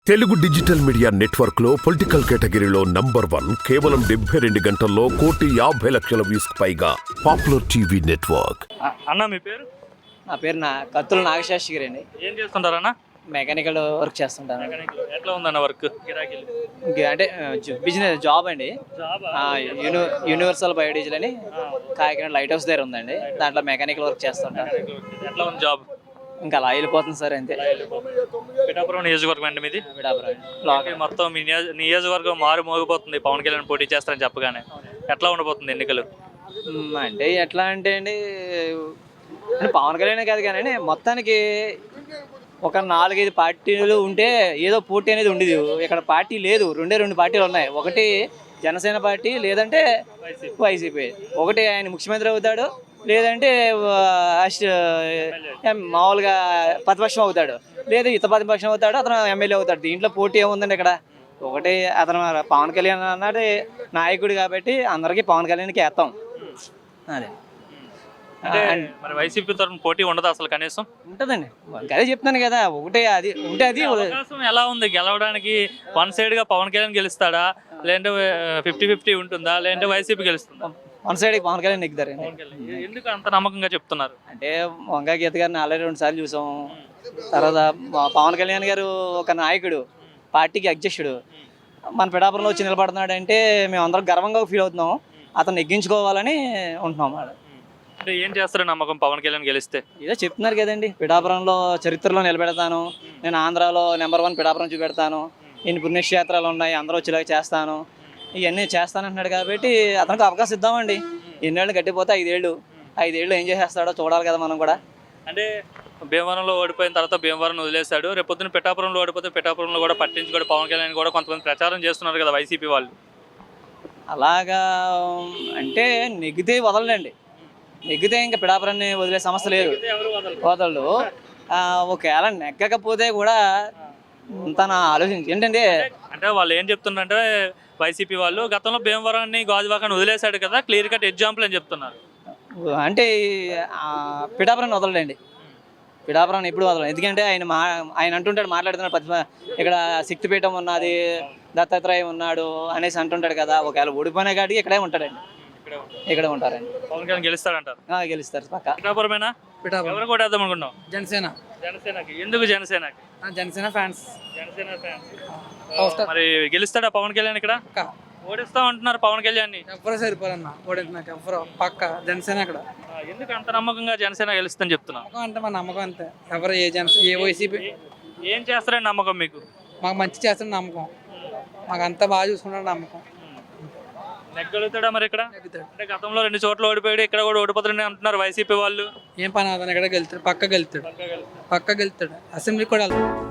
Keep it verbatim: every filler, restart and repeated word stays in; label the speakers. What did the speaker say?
Speaker 1: Telugu digital media network లో political కేటగిరీలో number one కేవలం డెబ్బై రెండు గంటల్లో కోటి యాభై లక్షల వ్యూస్ పైగా పాపులర్ టీవీ నెట్వర్క్.
Speaker 2: అన్న మీ పేరు?
Speaker 3: నా పేరు నా కత్తుల నాగశాస్త్రి గారు అండి.
Speaker 2: ఏం చేస్తుంటారన్న?
Speaker 3: మెకానికల్ వర్క్ చేస్తుంటాను.
Speaker 2: ఎట్లా ఉందన్న వర్క్? గిరాకీలు
Speaker 3: ఇంకా అంటే బిజినెస్ జాబ్ అండి. యూని యూనివర్సల్ బయోడీజిల్ అని కాకినాడ లైట్ హౌస్ దగ్గర ఉందండి. దాంట్లో మెకానికల్ వర్క్ చేస్తుంటాను.
Speaker 2: ఎట్లా ఉంది జాబ్?
Speaker 3: ఇంకా అలా వెళ్ళిపోతుంది సార్, అంతే.
Speaker 2: పిఠాపురం నియోజకవర్గం అండి మీది?
Speaker 3: పిఠాపురం
Speaker 2: మొత్తం మీ నియోజ- నియోజకవర్గం మారు మోగిపోతుంది. పవన్ కళ్యాణ్ పోటీ చేస్తారని చెప్పగానే ఎట్లా ఉండబోతుంది ఎన్నికలు?
Speaker 3: మ్, అంటే ఎట్లా అంటే అండి, అంటే పవన్ కళ్యాణ్ కాదు కానీ మొత్తానికి ఒక నాలుగైదు పార్టీలు ఉంటే ఏదో పోటీ అనేది ఉండేది. ఇక్కడ పార్టీ లేదు, రెండే రెండు పార్టీలు ఉన్నాయి. ఒకటి జనసేన పార్టీ, లేదంటే వైసీపీ. ఒకటి ఆయన ముఖ్యమంత్రి అవుతాడు, లేదంటే అస్ట్ మామూలుగా ప్రతిపక్షం అవుతాడు, లేదా ఇతర ప్రతిపక్షం అవుతాడు, అతను ఎమ్మెల్యే అవుతాడు. దీంట్లో పోటీ ఏముందండి ఇక్కడ? ఒకటి అతను పవన్ కళ్యాణ్ అన్నాడు నాయకుడు కాబట్టి అందరికీ పవన్ కళ్యాణ్కి వేస్తాం. అదే
Speaker 2: అంటే మరి వైసీపీ తరఫున పోటీ ఉండదు అసలు కనీసం?
Speaker 3: ఉంటుందండి, అదే చెప్తాను కదా. ఒకటే అది ఉంటే అది
Speaker 2: అవకాశం ఎలా ఉంది గెలవడానికి? వన్ సైడ్ గా పవన్ కళ్యాణ్ గెలుస్తాడా, లేదంటే ఫిఫ్టీ ఫిఫ్టీ ఉంటుందా, లేదంటే వైసీపీ గెలుస్తుందా?
Speaker 3: వన్ సైడ్ పవన్ కళ్యాణ్ నెగ్గుతారండి.
Speaker 2: ఎందుకు అంత నమ్మకంగా చెప్తున్నారు?
Speaker 3: అంటే వంగా గీత గారిని ఆల్రెడీ రెండు సార్లు చూసాం. తర్వాత పవన్ కళ్యాణ్ గారు ఒక నాయకుడు, పార్టీకి అధ్యక్షుడు, మన పిఠాపురంలో వచ్చి నిలబడుతున్నాడు అంటే మేము అందరం గర్వంగా ఫీల్ అవుతున్నాం. అతను నెగ్గించుకోవాలని ఉంటున్నాం.
Speaker 2: అంటే ఏం చేస్తారు నమ్మకం పవన్ కళ్యాణ్ గెలిస్తే?
Speaker 3: ఏదో చెప్తున్నారు కదండి, పిఠాపురంలో చరిత్రలో నిలబెడతాను, నేను ఆంధ్రాలో నెంబర్ వన్ పిఠాపురం చూపెడతాను, ఇన్ని పుణ్యక్షేత్రాలు ఉన్నాయి, అందరూ వచ్చేలాగా చేస్తాను, ఇవన్నీ చేస్తానంటున్నాడు. కాబట్టి అతనికి అవకాశం ఇద్దామండి. ఎన్నేళ్ళు గట్టిపోతే ఐదేళ్ళు ఐదేళ్ళు ఏం చేసేస్తాడో చూడాలి కదా మనం కూడా.
Speaker 2: అంటే భీమవరంలో ఓడిపోయిన తర్వాత భీమవరం వదిలేశాడు, రేపు పొద్దున్న పిఠాపురంలో ఓడిపోతే పిఠాపురంలో కూడా పట్టించుకోడు పవన్ కళ్యాణ్ కూడా కొంతమంది ప్రచారం చేస్తున్నారు కదా వైసీపీ వాళ్ళు.
Speaker 3: అలాగా అంటే నెగ్గితే వదలండి, నెగ్గితే ఇంకా పిఠాపురాన్ని వదిలే సమస్య లేదు, వదలడు. ఒకవేళ నెగ్గకపోతే కూడా తన ఆలోచించి ఏంటంటే,
Speaker 2: అంటే వాళ్ళు ఏం చెప్తున్నారంటే వైసీపీ వాళ్ళు గతంలో భీమవరాన్ని గాజువాకాన్ని వదిలేశాడు కదా, క్లియర్ కట్ ఎగ్జాంపుల్ అని చెప్తున్నారు.
Speaker 3: అంటే పిఠాపురాన్ని వదలండి, పిఠాపురాన్ని ఎప్పుడు వదలం. ఎందుకంటే ఆయన మా ఆయన అంటుంటాడు, మాట్లాడుతున్నాడు, పది ఇక్కడ శక్తిపీఠం ఉన్నది, దత్తాత్రేయం ఉన్నాడు అనేసి అంటుంటాడు కదా. ఒకవేళ ఓడిపోయినా కాడికి ఇక్కడే ఉంటాడండి, ఇక్కడే ఉంటారండి.
Speaker 2: పవన్ కళ్యాణ్ గెలుస్తాడంటారు?
Speaker 3: గెలుస్తారు పక్క.
Speaker 2: పిఠాపురమేనా?
Speaker 4: పిఠాపురం.
Speaker 2: ఎవరు కూడా వేద్దాం అనుకున్నాం?
Speaker 4: జనసేన.
Speaker 2: జనసేనకి. ఎందుకు జనసేనకి?
Speaker 4: జనసేన ఫ్యాన్స్.
Speaker 2: జనసేన ఫ్యాన్స్. మరి గెలుస్తాడా పవన్ కళ్యాణ్ ఇక్కడ? ఓడిస్తాం అంటున్నారు పవన్ కళ్యాణ్ ని.
Speaker 4: ఎవరు సరిపోరన్న ఓడించినాక ఎవరు పక్క జనసేన అక్కడ.
Speaker 2: ఎందుకు అంత నమ్మకంగా జనసేన గెలుస్తుందని చెప్తున్నా?
Speaker 4: నమ్మకం అంటే మా నమ్మకం అంతే. ఎవరు ఏ జనసేన ఏ వైసీపీ
Speaker 2: ఏం చేస్తారని నమ్మకం మీకు?
Speaker 4: మాకు మంచి చేస్తున్న నమ్మకం, మాకు అంతా బాగా చూసుకున్నాడు నమ్మకం.
Speaker 2: నెగ్గలుగుతాడా మరి ఇక్కడ? అంటే గతంలో రెండు చోట్ల ఓడిపోయాడు, ఇక్కడ కూడా ఓడిపోతాడని అంటున్నారు వైసీపీ వాళ్ళు.
Speaker 4: ఏం పని అతను ఎక్కడ గెలుతాడు, పక్క గెలుతాడు, పక్క గెలుతాడు, అసెంబ్లీకి కూడా వెళ్తాడు.